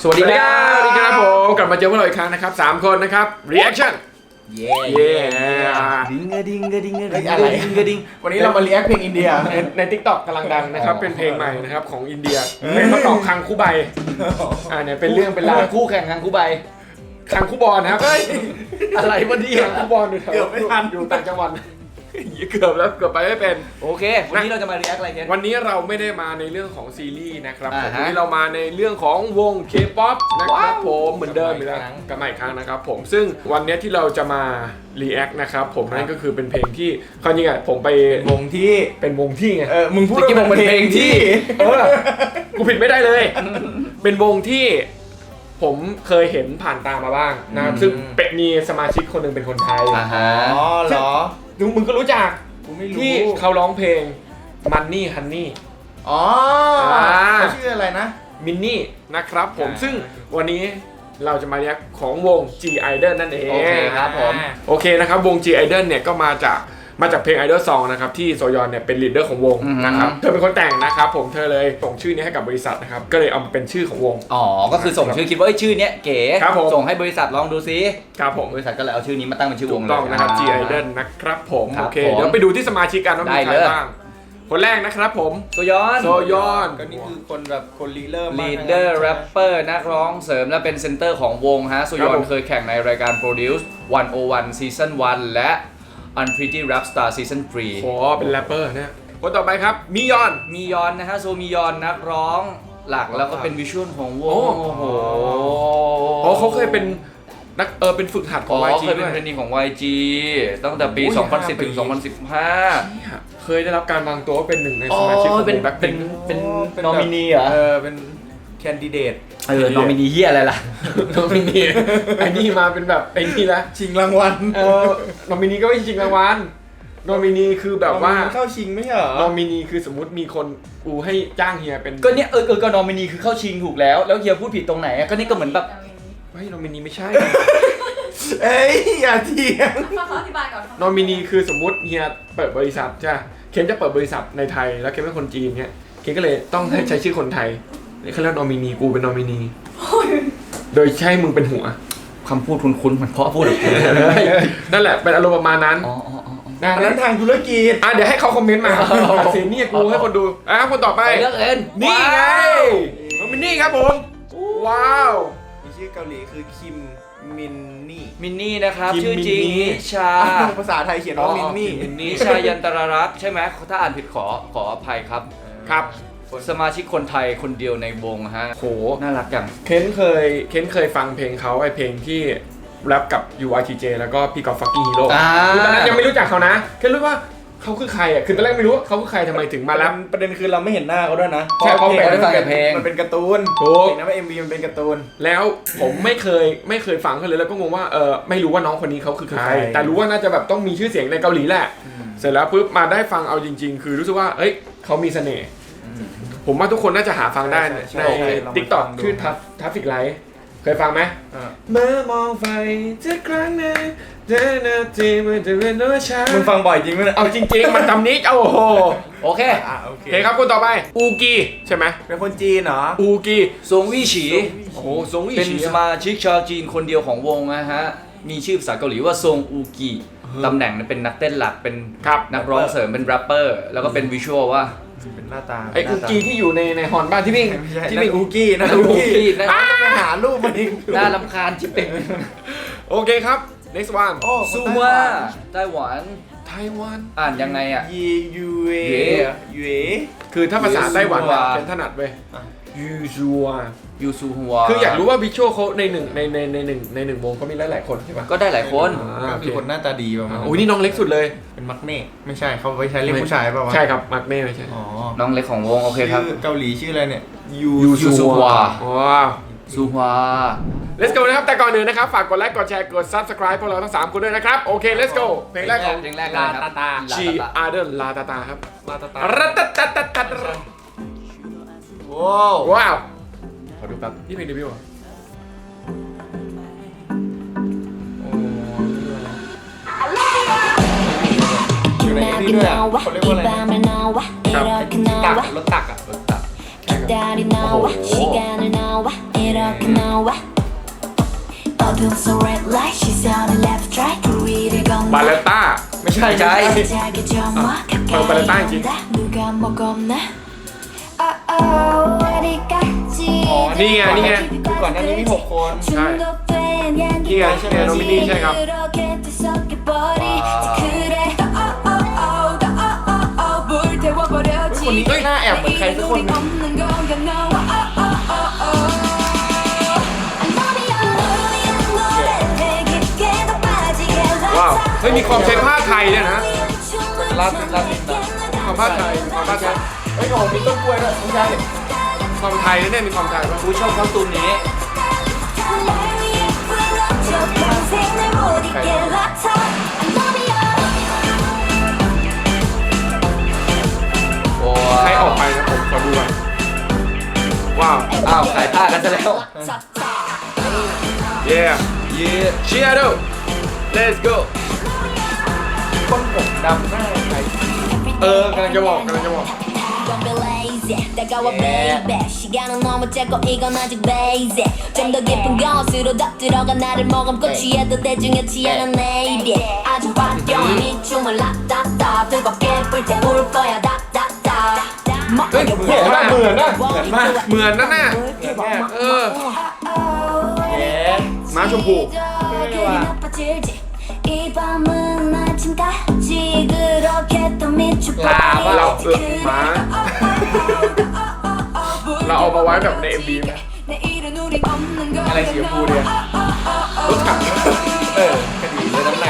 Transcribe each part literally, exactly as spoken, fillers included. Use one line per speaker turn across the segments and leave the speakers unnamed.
สวัสดีครับ
สวัสดีครับผมกลับมาเจอพวกเราอีกครั้งนะครับสามคนนะครับ reaction
เย้
เย้
ดิงกระดิงกระดิงกระ
เฮ้
ดิ
ย
ง
อะไร
กระดิง
วันนี้เรามาเรียกเพลงอินเดีย
ในใน TikTok กำลังดังนะครับ
อ๋อ
เป็นเพลงใหม่นะครับของอินเดียเป็นประกอบคังคูใบอ่าเนี่ยเป็นเรื่องเป็นราว
คู่แข่งคังคู่ใบ
คังคูบอลนะครับ
อะไรวะเนี่ย
คังคูบอลอยู่แถว
เกือบไม่ทัน
อยู่ต่างจังหวัดเกือบแล้วเกือบไปไม่เป็น
โอเค วันนี้เราจะมา react อะไรกัน
วันนี้เราไม่ได้มาในเรื่องของซีรีส์นะครับ
อ่า
ผม
ฮะ
วันนี้เรามาในเรื่องของวง K-pop นะครับ
ว้าว
ผมเหมือนเดิมอีกแล้วกลับมาอีกครั้งนะครับผมซึ่งวันนี้ที่เราจะมา react นะครับผมนั่นก็คือเป็นเพลงที่ความจริงอ่ะผมไป
วงที่
เป็นวงที่ไง
เออมึงพูด
เมื่อกี้บอกเป็นเพลงที่
เออกูผิดไม่ได้เลย เป็นวงที่ผมเคยเห็นผ่านตามาบ้างนะครับซึ่งเป็นมีสมาชิกคนหนึ่งเป็นคนไทย
อ่าฮะ
อ๋อเหรอ
มึงมึงก็รู้จัก
กูไม่รู้
ที่เขาร้องเพลง Money Honey
อ๋อ
อ่า
เขาชื่ออะไรนะ
มินนี่นะครับผม
อ่า
ซึ่งวันนี้เราจะมาเรียกของวง G Idol นั่นเอง
โอเคครับผม
โอเคนะครับวง G Idol เนี่ยก็มาจากมาจากเพลง Idol Song นะครับที่โซยอนเนี่ยเป็นลีดเดอร์ของวง
อือฮึ
นะครับเธอเป็นคนแต่งนะครับผมเธอเลยส่งชื่อนี้ให้กับบริษัทนะครับก็เลยเอามาเป็นชื่อของวง
อ๋อ ก็คือส่งชื่อคิดว่าเอ้ยชื่อเนี้ยเก๋
ครับผม
ส่งให้บริษัทลองดูซิ
ครับผม
บริษัทก็เลยเอาชื่อนี้มาตั้งเป็นชื่อว
ถู
ง
ก
เลย
ต้องนะครับ G
า
Idol นะครับผม
ครั
โอบ เค
ผม
เดี๋ยวไปดูที่สมาชิกกันว่ามี
ได้
ใคร
เลย
บ้างคนแรกนะครับผม
โซยอน
โซยอน
ก็นี่คือคนแบบคนลีเดอร์มาก
ลีดเดอร์แรปเปอร์นักร้องเสริมและเป็นเซนเตอร์ของวงฮะโซยอนเคยแข่งในรายการ Produce หนึ่งศูนย์หนึ่ง Season วันและ Unpretty Rap Star Season สาม
โอ้เป็นแรปเปอร์เนี่ยคนต่อไปครับมิยอน
มียอนนะฮะโซมียอนนักร้องหลักแล้วก็เป็นวิชวลของวง
โอ้
โอ้โห
อ๋อเขาเคยเป็นนักเออเป็นฝึกหัดข
อ๋
อง
อ
วาย จี
เคยเป็
ด้
น
วย
เทรนนีของ วาย จี ตั้งแต่ปี
โอ้ย
สองพันสิบ
ห้า
ถึง
ปี
สองพันสิบห้า
เนี่ยเคยได้รับการวางตัวว่าเป็นหนึ่งใน
อ๋
ส
อ
มาชิกของ
เป็น
แบ็ค
เป็
พิ
น
ง
เป็น
เป็น
นอมินีเหรอ
เออเป็นแคนดิเดต
เออนอมินีเฮียอะไรล่ะ
นอมินีไอ้นี่มาเป็นแบบไอ้นี่ละ
ชิงรางวัล
เออนอมินีก็ไม่ใช่ชิงรางวัลนอมินีคือแบบว่า
เข้าชิงไม่ใช่เหรอ
นอมินีคือสมมุติมีคนกูให้จ้างเฮียเป็น
ก็เนี่ยเออเออก็นอมินีคือเข้าชิงถูกแล้วแล้วเฮียพูดผิดตรงไหนอะก็นี่ก็เหมือนแบบ
ไม่นอมินีไม่ใช่
เอ้ยอย่าเถียง
ฟังเขาอธิบายก่อน
นอมินีคือสมมุติเฮียเปิดบริษัทใช่ปะเคนจะเปิดบริษัทในไทยแล้วเคนเป็นคนจีนเนี่ยเคนก็เลยต้องให้ใช้ชื่อคนไทยเขาเรียกนอมินีกูเป็นนอมินีโดยใช้มึงเป็นหัว
คำพูดคุ้นๆเหมือนพ่อพูดอะ
นั่นแหละเป็นอารมณ์ประมาณนั้น
อ๋ออ๋ออ๋อ
นะ
อันนั้นทางธุรกิจ
อ่ะเดี๋ยวให้เขาคอมเมนต์มาตัดสินนี่กูให้คนดูอ่ะคนต่อไป
ไปเลือกเอ็น
นี่ไง
ว้าว
น้องมินนี่ครับผมว้าว
มีชื่อเกาหลีคือคิมมินนี่
มินนี่นะครับ
คิม
ชื่อจริง
มินนี่
นิชา
ภาษาไทยเขียนว่ามินนี่
มินนี่
นิชายันตรรักษ์ใช่ไหมถ้าอ่านผิดขอขออภัยครับ
ครับ
สมาชิกคนไทยคนเดียวในวงฮะ
โห
น่ารักจัง
เค้นเคยเค้นเคยฟังเพลงเขาไอเพลงที่แรปกับ ยู ไอ ที เจ แล้วก็พี่กอล์ฟฟักกิ้งฮีโร่
อ่า
คือตอนนั้นยังไม่รู้จักเขานะแค่รู้ว่าเขาคือใครอ่ะคือตอนแรกไม่รู้ว่าเขาคือใครทำไมถึงมาแรป
ประเด็นคือเราไม่เห็นหน้าเขาด้วยนะ
ใช่เขาเป็น
พระ
เพลง
มันเป็นการ์ตูน
ถูก
เห็นนะว่า เอ็ม วี มันเป็นการ์ตูน
แล้วผมไม่เคยไม่เคยฟังเขาเลยแล้วก็งงว่าเออไม่รู้ว่าน้องคนนี้เขาคือใคร
ใคร
แต่รู้ว่าน่าจะแบบต้องมีชื่อเสียงในเกาหลีแหละ เสร็จแล้วปุ๊บมาได้ฟังเอาจริง ๆ คือรู้สึกว่าเอ้ยเขามีเสน่ห์ผมว่าทุกคนน่าจะหาฟังได้ใน
ใช่ใช่ลองมา
ติ๊กต็อก
ฟังดู
ชื่อทัฟทัฟฟิกไลท์เคยฟังไหม เมื่อมองไฟทุกครั้งในเดินนาทีมันจะเป็นตัวฉัน
มึงฟังบ่อยจริงไหมเนี่ย
เอาจริง ๆ มันจำนี้โอ้โห
โอเค
อ่ะโอเค
โอเคครับคนต่อไปอูกีใช่ไหม
เป็นคนจีนเหรอ
อูกี
ซงวี่ฉี
โอ้โหซงอี
เป็น
ชี
สมาชิกชาวจีนคนเดียวของวงนะฮะ มีชื่อภาษาเกาหลีว่าซงอูกิตำแหน่งเป็นนักเต้นหลัก เป็น
ครับ
นักร้องเสริม เป็นแรปเปอร์ แล้วก็เป็นวิชวลว่า
เป็นหน้าตา
ไออูกีที่อยู่ในในฮอนบ้านที่วิ่ง
ไม่ใช่
ที่
นั่
วิ่
น
ง
อูกี้นะ
อู
อู
กี้
กี้
นะ
อ่ะต้องไปหารูปมันอีก
น่ารำคาญชิบเป่ง
โอเคครับ next one
โอ้
ซู
คน
ว่า
ไต้หวัน
ไต้หวัน
ไต้หวัน
อ่านยังไงอ่ะ
ยียูเอ
เย่
ยูเอ
คือถ้าภาษาไต้หวัน
ยูซัว
เป็นถนัดเว้ย
อ่ะ
ยูซัว
ยูซูฮัว
คืออยากรู้ว่าวิชวลเขาในหนึ่งในในในหนึ่งในหนึ่งวงเขามีหลายๆคนใช่ปะ
ก็ได้หลายคน
อ่า
ก็คือคนหน้าตาดีประมาณ
โอ้ยนี่น้องเล็กสุดเลย
เป็นมักเน่ไม่ใช่เขาไว้ใช้เรียกผู้ชายเปล่าวะ
ใช่ครับมาร์กเน่ไม่ใช่
อ๋อ
น้องเล็กของวง โอเคครับ
ชื่อเกาหลีชื่ออะไรเนี่ยยู
ยูซัว
ว้าว
ซูฮัว
let's go นะครับแต่ก่อนอื่นนะครับฝากกดไลค์กดแชร์กด subscribe พวกเราทั้งสามคนด้วยนะครับโอเค let's go เพลงแรกของ
เพลงแรกเลยครับ
G Idol ลาตาตาครับ
มาตาตา
รัตตัตตัตตัตตัต
ว้าว
ว้าวขอดูแป๊บนี่เพลงเดบิวต์เหรอ
อยู่ในนี่ด้วยอ่ะเขาเรียกว่าอะไรนะ
ครับ
ตักรถตักอ่ะรถตัก
ค
달이 나와 시간을 나와 이렇게 나와 어둠 속 red light 시선을 left right 그 위를
บาเล
건너
ต้า
ไม่ใช่
ใช่
자기 점화
어, 발레타 있지.
가까이 누가 먹었나 oh oh 어디까지
นี่ไงนี่ไง
คือก่อนหน้านี้มีหกคน
중독된 향기
นี่ไงใช่ไหมน้องมินนี่ใช่ครับ
그렇게 뒤섞여버리 그래 oh oh oh oh oh oh 불태워버려지
คนนี้ก็หน้าแอบเหมือนใครสักคนหนึง
없는 건가 no oh oh oh oh
ว้าว เฮ้ย มีความใช้ผ้าไทยด้วยนะ
ลาตินลาตินนะ
ความผ้าไทยมีความผ้าไทย
เฮ้ยโอ้โหมีต้นกล้วยด้วยไม่ใช่
ความไทยนะเนี่ยมีความไทยป่ะ
กูชอบคอสตูมนี้โอ้
ใครออกไปนะผมขอดูก่อนว้าว
อ้าวขายผ้ากันซะแล้ว
เย้
เย้
เชียร์ดู let's go
คนผมดำหน้าใคร
เออกำลังจะบอกกำลังจะบอก
다가와 baby 시간은 너무 짧고 이건 아직 basic 좀 더 깊은 곳으로 더 들어가 나를 머금고 취해도 대중이었지 않은 내일이 아주 바뀌어온 이 춤을 라따따 뜨겁게 불태울 거야 다다다
เฮ้ย
เหมือนมากเหมือนนะเหมือนมาก
เหมือนนั่นน่ะ
เหมือนมาก
เออ
เย้
ม้าชมพู
이 밤은 아침까지 그렇게 또 미쳐버려
เราเออม้า เราเอามาไว้แบบใน เอ็ม วี ไหม
อะไรสีชมพูเนี่ยรถถังเออคดีเลยน้ำน้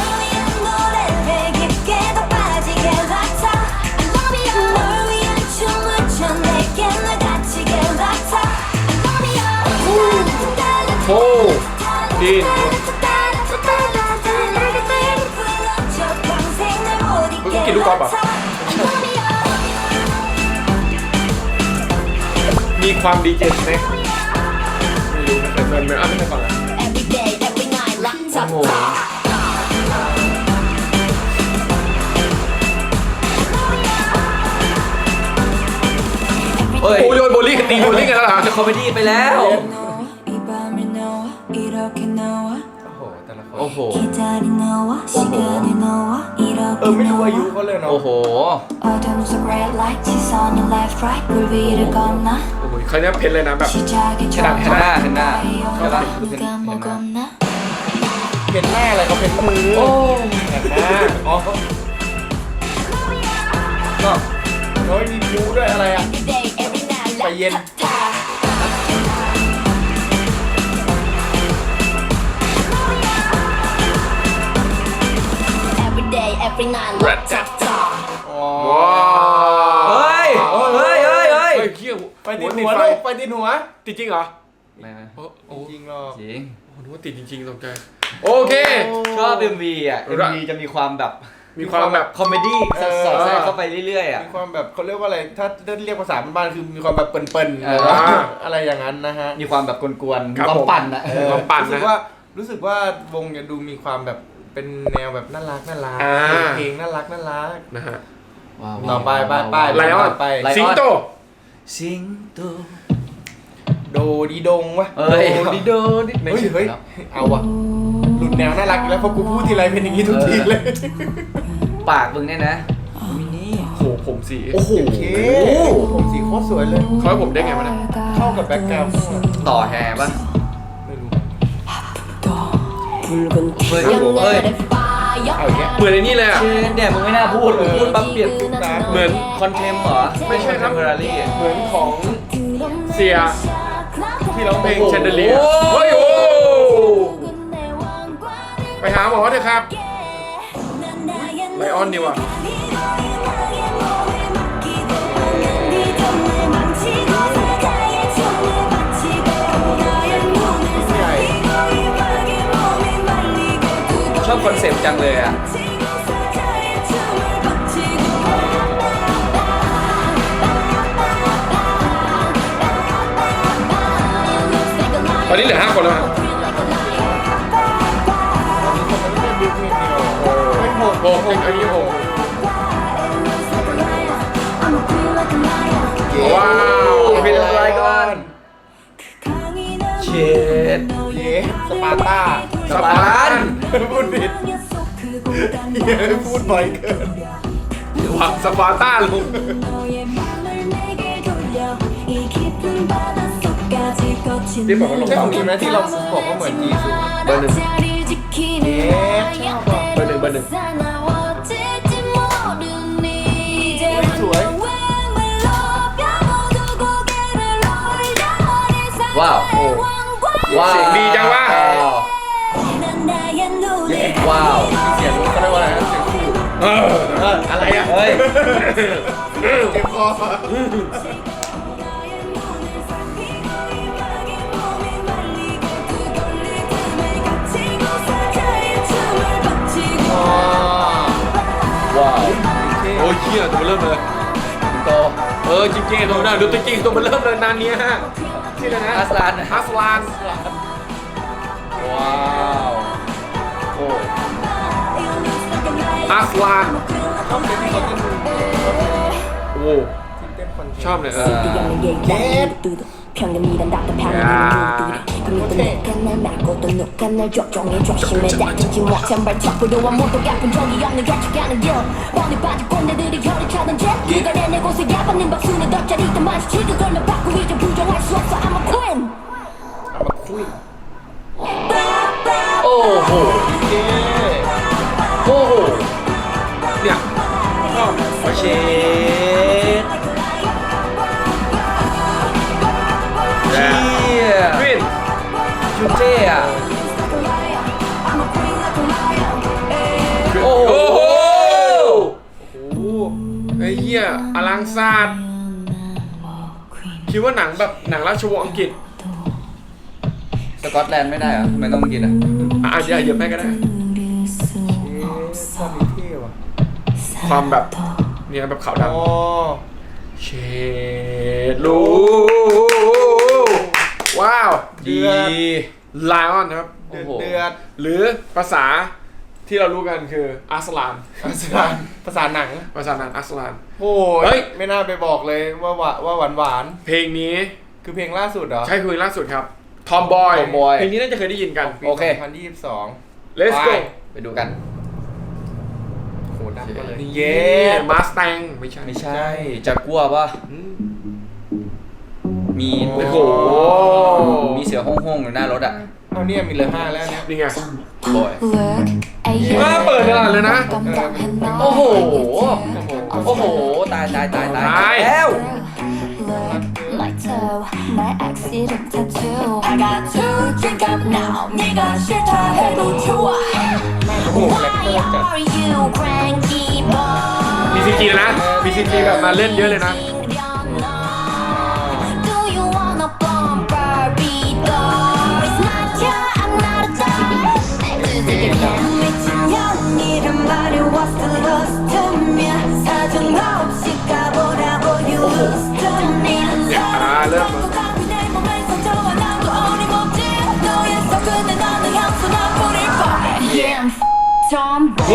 โอ้ดินกินลูกกอล์ฟอ่ะ มีความดีเจสเน็กไม่รู้นะแต่เงินมันอ่ะไม่ใช่ก่อนนะ
Every day, every night, laptop.
โอ้โห เอ้ย
โอ้ยโยนโบลิ่งตีโบลิ่งกันแล้วเหรอ
จะคอมเมดี้ไปแล้ว
이 밤을 너와 이렇게 너와
ำโอ้โหแต่ละคน
โอ้โห
기다린 너와 시간을 너와
เอ
이렇게
อไม่รู้อายุ
너와
เขาเลยเนาะ
โอ้โห
어둠 속 red light 시선을 left right 물 위를 건너
โอ้โหเขาเนี่ยเพ้นเลยนะแบบ
시작이
เห็นหน้าเห็นหน้าใช่ปะ
누가 먹었나
เห็นหน้าอะไรเขาเป็นมือ
โอ้
เห็นหน้าอ๋อก็น้อยมีคิ้วด้วยอะไรอ่ะ
Every day, every night,
ไปเย็น
laptop. Every day, every night, laptop.
อ๋อ
ว้าว
เฮ้ย เฮ้ยเฮ้ยเฮ้ย
เฮ้ยเขี้ยว
ไปติดหัวลูกไปติดหัว
ติดจริงเหรอ
ไม่ไม่
โอ้โห
จริงหรอก
จริง
นึกว่าติดจริงๆตกใจโอเค
ชอบ เอ็ม วี อ่ะ เอ็ม วี จะมีความแบบ
มีความแบบ
คอมเมดี้สอดแทรกเข้าไปเรื่อยๆอ่ะ
มีความแบบเขาเรียกว่าอะไรถ้าถ้าเรียกภาษาบ้านๆคือมีความแบบเปิ่นๆ
เออ
อะไรอย่างนั้นนะฮะ
มีความแบบกวนๆ
ครับ
ความ
ผม
ปั่นอ่ะ
เออ ความปั่นนะ
รู้สึกว่ารู้สึกว่าวงเนี่ยดูมีความแบบเป็นแนวแบบน่ารักน่ารัก
อ่า
เพลงน่ารักน่ารัก
นะฮะ
ว้าว
ต่อไปไปไป
ไลออน
ไป
ไลออน
สิงโต
สิงโต
โดดีดงวะ
เอ้ย
โดดีโดดิเฮ้ยเฮ้ยเอาวะหลุดแนวน่ารักอีกแล้วเพราะกูพูดทีไรเป็นอย่างนี้ทุกทีเลย
ปากมึงเนี่ยนะมินี่
โหผมสี
โอ้โหผมสีโคตรสวยเลย
เขาให้ผมได้ไงวะเนี่ย
เข้ากับแบ็คกราวด์
ต่อแฮร์ป่ะ
ไม่รู้
เฮ้ย
ครับผม
เฮ้ย
เอาอย่างเงี้ย
เหมือนไอ้นี่เลยอ่ะ
ชื่อเนี่ยมึงไม่น่าพูดมึงพูดปั๊บเปลี่ยนปุ๊บนะ
เหมือน
คอนเทมเหรอ
ไม่ใช่ครับ
เทมเพอรารี่
เหมือนของเสีย
ที่ร้องเพ
เพ
ล
ล
ง
ง
เช
เช
น
น
เด
เด
อ
เลี
เลี
ย
ย
เฮ้ยโอ้ไปหาหมอเถอะครับ ไลออนดีว่ะ
ชอบคอนเซปต์จังเลยอ่ะ
ตอนนี้เหลือห้าคนแล้วครับ
ไม่โหด
โหกอันนี้โหก
เ
ว้าวเป็นอะไรก่อน
เชด
เย้สปาร์ตา
สปาร์ตัน
พูดผิดเย้พูดบ่อยเกิน
วังสปาร์ต้าลุง
ที่บอกว่าลงใช่ของนี้ไหมที่เราบอกว่าเหมือนจีซู
เบอร์หนึ่ง
เย้ชอบอ่ะ
เบอร์หนึ่งเบอร์หนึ่ง
สวย
ว้าวโอ้ว้าว
เสียงดีจังวะ
ว้าว
เสียงเขาเรียกว่าอะไรนะเสียงคู่
เออเอออะไรอ่ะ
เฮ้ย
เจ็บคอ
ว้าว
โอ้ยเชี่ยตัวมันเริ่มเลย
โต
เออจริงๆตัวนั้นดูจริงๆตัวมันเริ่มเลยนานเนี้ยฮะชื่ออะไรนะ
อัสลาน
อัสลาน
ว้าวโอ้
อัสลาน
ชอบเต้นที่เขาเต้น
โอ้
ที่เต้นคอนเทนต์
ชอบเลยเออ
평균이란 답답한 그니까 내가 날 말고 또 누가 날 조종해 조심해 닥치지 못한 발자국으로 아무도 갚은 적이 없는 가져가는 길 뻔히 빠진 꼰대들이 혀를 차던 jet 네가 내내 곳에 야받는 박수는 덧자리던 마치 지금 걸면 받고 이제 부정할 수 없어 I'm a queen
เอามาคุย
โอ้โห
เย้
โอ้โห
เนี่ยชอบ
เชดเชี่ย
ควิน
ชูเจ้อะโอ้โห
โอ้โหโอ้โหไอ้เหี้ยอลังซาดคิดว่าหนังแบบหนังราชวงศ์อังกฤษ
สกอตแลนด์ไม่ได้เหรอทำไมต้องกินอ่ะ
อ่ะเดี๋ยวเหยียบแม่ก็ได้
เย้ชอบมีเท่ว่ะ
ความแบบเนี่ยแบบขาวด
อ๋อ
ำเชดลูว้าว
ดี
ไลออนนะครับ
เดือด
โอ้โห
เดือด
หรือภาษาที่เรารู้กันคืออัสลาน
ภาษาภาษาหนัง
ภาษาหนังอัสลาน
โอ้
เฮ้
ย
ย
ไม่น่าไปบอกเลยว่าหวานว่าหวานหวาน
เพลงนี้
ๆคือเพลงล่าสุดเหรอ
ใช่คือเพลงล่าสุดครับทอมบอย
Tomboy
เพลงนี้น่าจะเคยได้ยินกัน
ปี
โอเค
สองพันยี่สิบสอง
Let's go
ไปดูกัน
โหดังมาเลย
เย้มาสแตงไม่ใช่
ไม่ใช่จากกัวป่ะ
อืม
มี
โอ้โห
มีเสือห้องๆอยู่หน้ารถอ่ะ
เอาเนี่ยมีเหลือห้าแล้วเนี่ย
นี่ไง
บอย
ว่าเปิดตลาดเลยนะ
โอ้โห
โอ้โห
โอ้โห ตายตายตายตาย
ตาย
แล้ว
Like toe, my accident tattoo. I got to drink up now. 네가 싫다 해도 좋아.
โอ้โหแรปเตอร์
Why
จัด
are you cranky boy?
มีซีจีนะมีซีจีแบบมาเล่นเยอะเลยนะ
Do you wanna bomb Barbie doll? It's not ya, I'm not a doll. 뜨뜻하게 미친 년이란 말이 what's the lost to me? 사정 없이 가보라고 you lose to me.
아, 랩.
내 몸에 상처와 나도 어림없지. 너의 속근에 나는 향수 난 뿌릴 거야. Yeah, tomboy.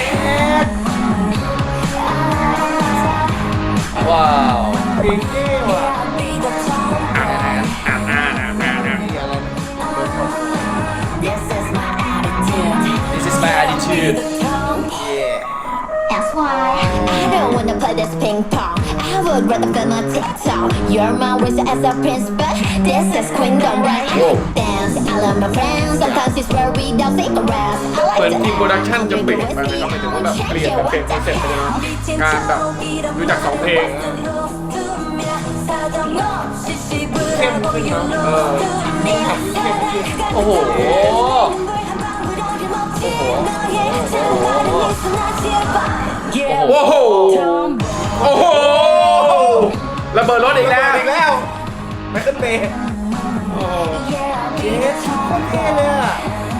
ว้าว
เพลงเท่ว่ะ
Be the tomboy.
นี่อะไรนะ
This is my attitude.
This is my attitude
That's why I don't wanna play this ping pong. I would rather film a TikTok. You're my wish as a prince, but this is queendom, right? Dance, I love my friends. Sometimes it's where we don't cigarettes. I
เหมือน
like
ทีม
to
โปรดักชั่นจะเปลี่ยนไปนะครับหมายถึงว่าแบบเปลี่ยนแบบเปลี่ยนคอนเซ็ปต์ไปเลยนะการแบบดูจากสองเพลง
เข้มขึ้นเนาะ
เออ
โอ้โห
โอ้โห โอ้โหระเบิดรถอีกแล้ว
อีกแล้วไมเคิลเบย์เย้โคตรเท่เลยอ่ะ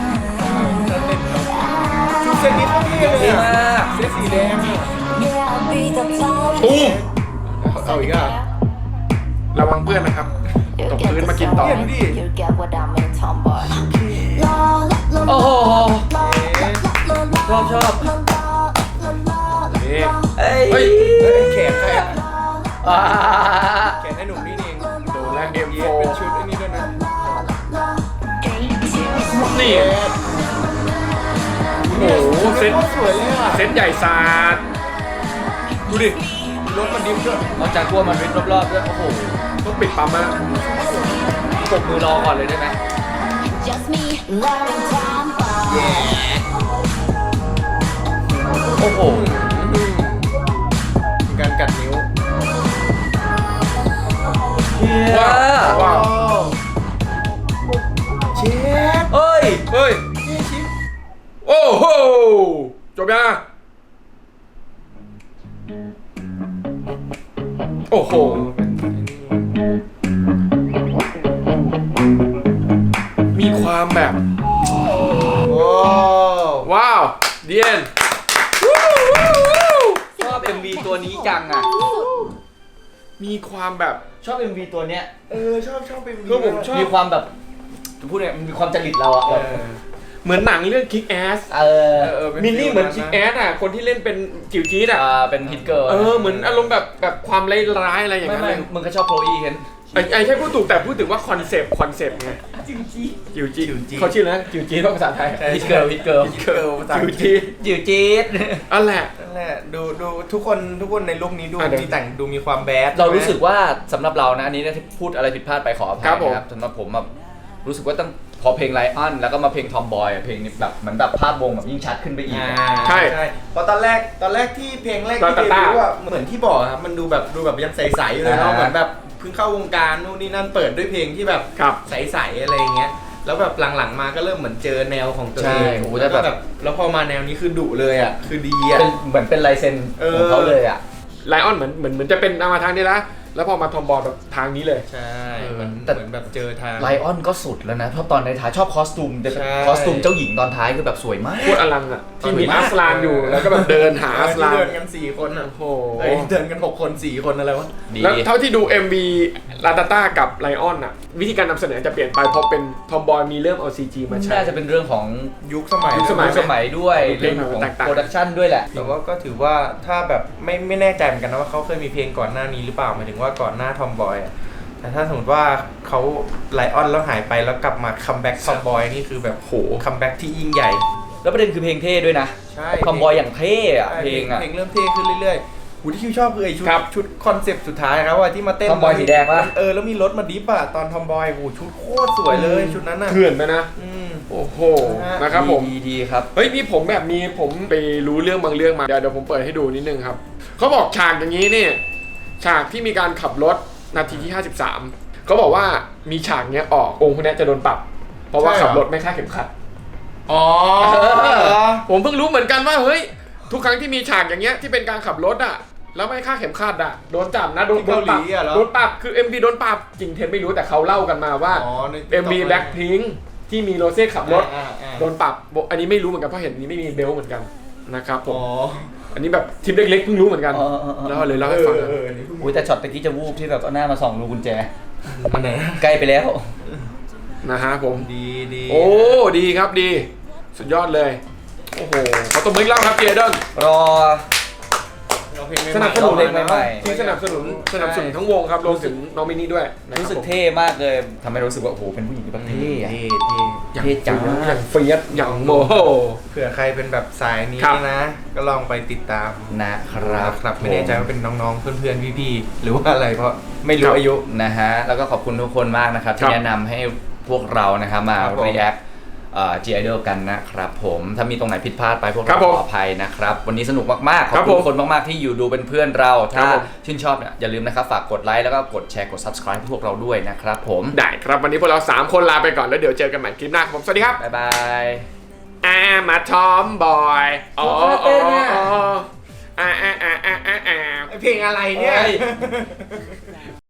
ชุดเซตนี้โคตรเท่เลย
ดี
อ่ะ
มาก
เสื้อสีแดงอ่ะ
ตูม
เอาอีกอ่ะ
ระวังเพื่อนนะครับ ตกพื้นมากินต่อ
เห็นดิ
You get what I mean, tomboy.
โอ้โห ชอบชอบ
นี่
เอ้ย
เฮ้ย
เฮ้ยแขกใครอ่ะ
เอ่า
เขียนให้หนุ่มนี่เอง
โดนแล้ว เอ็ม โฟ
เป็นชุดไอ้นี่ด้วยนะ
นี่โอ้โหเซ็ต
สวยเลยอ่ะ
เซ็ตใหญ่ศาสตร์
ดูดิรถมันดิฟด้วย
นอกจากกลัวมันวิดรอบๆด้วยโอ้โห
ต้องปิดปั๊มแล้ว
ปรบมือรอก่อนเลยได้ไหม
Just me learning time bomb
โอ้โห
การกัดนิ้ว
เฮีย
ว้าวว้าว
เช็ด
เอ้ย
เฮ้ย โอ้โห จบยังโอ้โห มีความแบบ
โอ้
ว้าวเดียน
ชอบ เอ็ม วี ตัวนี้จังอ่ะ
มีความแบบ
ชอบ เอ็ม วี ตัวเนี้ย
เออชอบชอบเป็น
คือผมชอบ
มีความแบบจะพูดเนี่ยมันมีความจริตเราอะ
เอ
แบบ
อ
เหมือนหนังเรื่อง Kick Ass
เออ
เออเป็น
มินนี่เหมือน
ฟิ
Kick
ลนั้น
Ass อ่ะ คนที่เล่นเป็นจิ๋วจี๊ดอ่ะ
อ่าเป็นฮิตเกิร์ล
เออ เหมือนอารมณ์แบบแบบความร้ายๆอะไรอย่าง
ไม่
นั้น
ไม่
เลย
มึงก็ชอบโคลอีเห็น
ไอ้ไอ้ใช่พูดถูกแต่พูดถึงว่าคอนเซปต์คอนเซปต์ไง จิ๋วจี๊ดจิ๋วจี๊ดเขาชื่ออะไรนะจิ๋วจี๊ดภาษาไทย
ใช่
ฮิตเกิร์ลฮิตเกิร์ล
เกิร์ลภาษาอั
จิ๋
ง
ว
กฤษ
จี๊ด
จิ๋วจี๊ด
อันแหละ
นั่นแหละดูดูทุกคนทุกคนในลุคนี้ดู
อ่ะเดี๋ยว
มีแต่งดูมีความแบด
เรารู้สึกว่าสำหรับเรานะอันนี้นะที่พูดอะไรผิดพลาดไปขออภัย
ครับผม
นะครับสำหรับผมแบบรู้สึกว่าตั้งพอเพลงไลออนแล้วก็มาเพลงทอมบอยเพลงนี้แบบเหมือนแบบภาพวงแบบยิ่งชัดขึ้นไปอีก
อ่า
ใช่
ใช่เพราะตอนแรกตอนแรกที่เพลงแรกที่
ตา
เด
ตา
บิวต์อะเหมือนที่บอกครับมันดูแบบดูแบบยังใสๆอยู่เลยเนาะ
อ่า
เหมือนแบบเพิ่งเข้าวงการนู่นนี่นั่นเปิดด้วยเพลงที่แบบ
ครับ
ใสๆอะไรอย่างเงี้ยแล้วแบบหลังๆมาก็เริ่มเหมือนเจอแนวของตัว
ใช่
เอง
โอ้โห
แล้วก็
แต่แบบ
แบบแล้วพอมาแนวนี้คือดุเลยอ่ะคือดีอ่ะ
เป็นเหมือนเป็นลายเซ็น
เออ
ของเขาเลยอ่ะ
ไลออนเหมือนเหมือนเหมือนจะเป็นมาทางนี้ละแล้วพอมาทอมบอลแบบทางนี้เลย
ใช่
เออ
เหมือน
แต่
เหมือนแบบเจอทาง
ไลออนก็สุดแล้วนะเพราะตอนในท้ายชอบคอสตูมจะเป็น
ใช่
คอสตูมเจ้าหญิงตอนท้ายคือแบบสวยมาก
โคตรอลังอ่ะ ที่มี
สวยมาก
อัสลานอยู่แล้วก็แบบเดินหาอัส
ที่
ลาน
เดินกันสี่คนอ่ะ
โอ้โห
เอ้ยเดินกันหกคนสี่คนอะไรวะ
ดี
แล้วเท่าที่ดู เอ็ม วี ลาตาต้ากับไลออนอ่ะ วิธีการนำเสนอจะเปลี่ยนไปเพราะเป็นทอมบอยมีเริ่มเอา ซี จี มาใช้
น่าจะเป็นเรื่องของ
ยุคสมัย
ยุคสมั
สมัยด้วย
เพล
เรื่อง งของ
แตกต่าง
โปรดักชันด้วยแหละ
แต่ว่าก็ถือว่าถ้าแบบไม่ไม่แน่ใจเหมือนกันนะว่าเขาเคยมีเพลงก่อนหน้านี้หรือเปล่าหมายถึงว่าก่อนหน้าทอมบอยอ่ะแต่ถ้าสมมติว่าเขาไลออนแล้วหายไปแล้วกลับมาคัมแบ็กทอมบอยนี่คือแบบ
โห
คัมแบ็กที่ยิ่งใหญ่
แล้วประเด็นคือเพลงเท่ด้วยนะ
ใช่
ทอมบอยอย่างเท่อะ
ใช่
เพลงอะ
เพลงเริ่มเท่ขึ้นเรื่อยๆหูที่คิวชอบคือไอชุด
ครับ
ชุดคอนเซปต์สุดท้ายครับว่าที่มาเต้น
ทอมบอยสีแดงปะ
เออแล้วมีรถมาดิฟอะตอนทอมบอยโหชุดโคตรสวยเลยชุดนั้นอะ
เถื่อนไปนะ
อืม
โอ้โห
นะฮะ
นะครับผม
ดีดีดีครับ
เฮ้ยนี่ผมแบบมีผมไปรู้เรื่องบางเรื่องมา เดี๋ยวเดี๋ยวผมเปิดให้ดูนิดนึงครับ เขาบอกฉากอย่างนี้เนี่ยฉากที่มีการขับรถนาทีที่ห้าสิบสามเขาบอกว่ามีฉากเนี้ยออกองค์พวกเนี้ยจะโดนปรับ เพราะว่าขับรถไม่คาดเข็มขัด
อ๋อ
ผมเพิ่งรู้เหมือนกันว่าเฮ้ยทุกครั้งที่มีฉากอย่างเงี้ยที่เป็นการขับรถอ่ะแล้วไม่คาดเข็มขัดอ่ะโดนจับนะโดน
ที่
โด
เกาน ห
ปรั
ลี
บ
อะเหรอ
โดนปรับคือ เอ็ม วี โดนปรับจริงเท็จไม่รู้แต่เขาเล่ากันมาว่า
อ๋อใน
เอ็ม วี Blackpink ที่มีโรเซ่ขับรถ
อ่าอ่า
โดนปรับบอกอันนี้ไม่รู้เหมือนกันเพราะเห็นนี้ไม่มีเบลต์เหมือนกันนะครับผ
อ๋
ม
อ
อันนี้แบบทิปเล็กๆเพิ่งรู้เหมือนกัน
เออเออเออ
แล้วเลยเล่าให้ฟัง
เอ
นะ
อเออนี่เพิ่ง
อุ้ยแต่ช็อตตะกี้จะวูบที่แบบเอาหน้ามาส่องรูกุญแจ
อันไหนนะ
ใกล้ไปแล้ว
นะฮะผม
ดีดี
โอ้ดีครับดี สุดยอดเลยโอ้โหขอตบมืออีกรอบครับเจเดน
รอ
เอาเพลงใหม่ๆ
สนับสนุน
เพลงใหม่ๆ
ที่สนับสนุนสนับสนุนทั้งวงครับรวมถึงน้องมินนี่ด้วยนะครับ
รู้สึก
ผม
เท่มากเลยทำให้รู้สึกว่าโอ้โหเป็นผู้หญิงที่แบบเท่อะ
เท่เท่
อย่าง
เท่จัง
อย่างเฟียสอย่างโมโห
เผื่อใครเป็นแบบสายนี้
ครับ
นะ ก็ลองไปติดตาม
นะครับ
ครับไม่แน่ใจว่าเป็นน้องๆ เพื่อนๆ พี่ๆ หรือว่าอะไรเพราะไม่
ค
รู้
รับ
อายุ
นะฮะแล้วก็ขอบคุณทุกคนมากนะครับ
ค
ที่
รับ
แนะนำให้พวกเรานะครับมา
ครับผม
react เอ่อ G Idol กันนะครับผมถ้ามีตรงไหนผิดพลาดไปพวก
ครั
เรา
บผม
ขออภัยนะครับวันนี้สนุกมากๆข
ค
อ
รั
บบ คุ
ผ
ณ
ม
คนมากๆที่อยู่ดูเป็นเพื่อนเรา
ครั
ถ้า
บผม
ชื่นชอบเนี่ยอย่าลืมนะครับฝากกดไลค์แล้วก็กดแชร์กด subscribe ให้พวกเราด้วยนะครับผม
ได้ครับวันนี้พวกเราสามคนลาไปก่อนแล้วเดี๋ยวเจอกันใหม่คลิปหน้าครับผมสวัสดีครับ
บ๊ายบาย
อามาทอมบอยอ๋อ
เต้นเนี่ย
อ๋ออ่าอ่าอ่าอ่าอ่า
เพลงอะไรเนี่ย
เฮ้ย